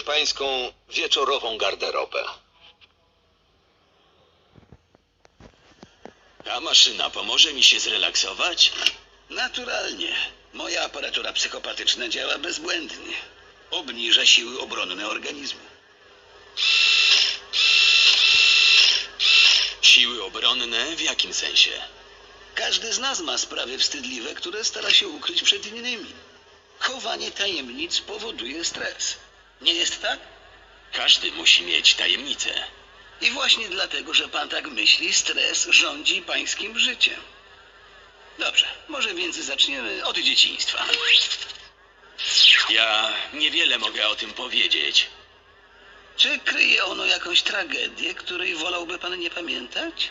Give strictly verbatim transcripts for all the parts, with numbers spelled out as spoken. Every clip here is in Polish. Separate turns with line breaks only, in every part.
pańską wieczorową garderobę.
Ta maszyna pomoże mi się zrelaksować?
Naturalnie. Moja aparatura psychopatyczna działa bezbłędnie. Obniża siły obronne organizmu.
Siły obronne w jakim sensie?
Każdy z nas ma sprawy wstydliwe, które stara się ukryć przed innymi. Chowanie tajemnic powoduje stres. Nie jest tak?
Każdy musi mieć tajemnicę.
I właśnie dlatego, że pan tak myśli, stres rządzi pańskim życiem. Dobrze, może więc zaczniemy od dzieciństwa.
Ja niewiele mogę o tym powiedzieć.
Czy kryje ono jakąś tragedię, której wolałby pan nie pamiętać?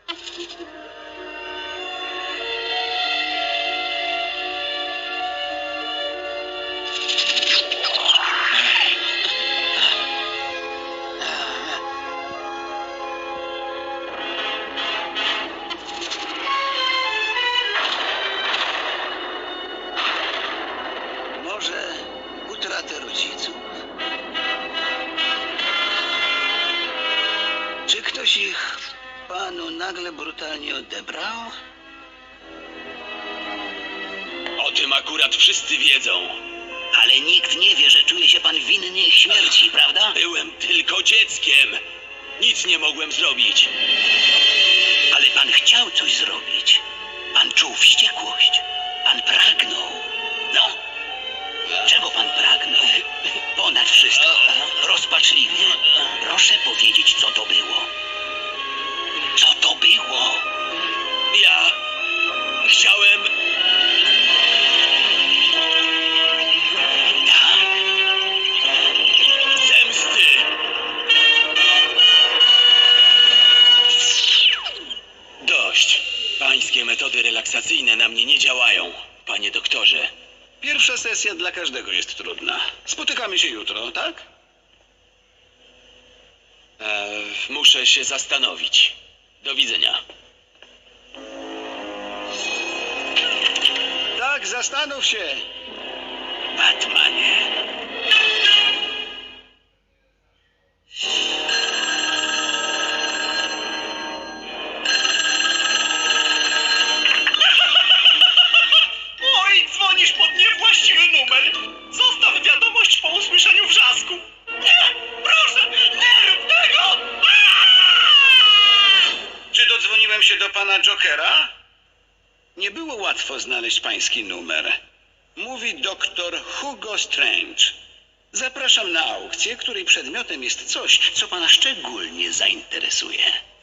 Może utratę rodziców? Czy ktoś ich panu nagle brutalnie odebrał?
O tym akurat wszyscy wiedzą.
Ale nikt nie wie, że czuje się pan winny ich śmierci, prawda?
Byłem tylko dzieckiem. Nic nie mogłem zrobić.
Ale pan chciał coś zrobić. Pan czuł wściekłość. Pan pragnął. No, czego pan pragnął? Ponad wszystko. Rozpaczliwie. Proszę powiedzieć, co to było. Co to było?
Ja chciałem...
Tak?
zemsty. Dość. Pańskie metody relaksacyjne na mnie nie działają, panie doktorze.
Pierwsza sesja dla każdego jest trudna. Spotykamy się jutro, tak?
E, muszę się zastanowić. Do widzenia.
Tak, zastanów się. Batmanie.
Oj, dzwonisz pod niewłaściwy numer. Zostaw wiadomość po usłyszeniu wrzasku. Nie, proszę, nie rób tego! Aaaa!
Czy dodzwoniłem się do pana Jokera? Nie było łatwo znaleźć pański numer. Mówi doktor Hugo Strange. Zapraszam na aukcję, której przedmiotem jest coś, co pana szczególnie zainteresuje.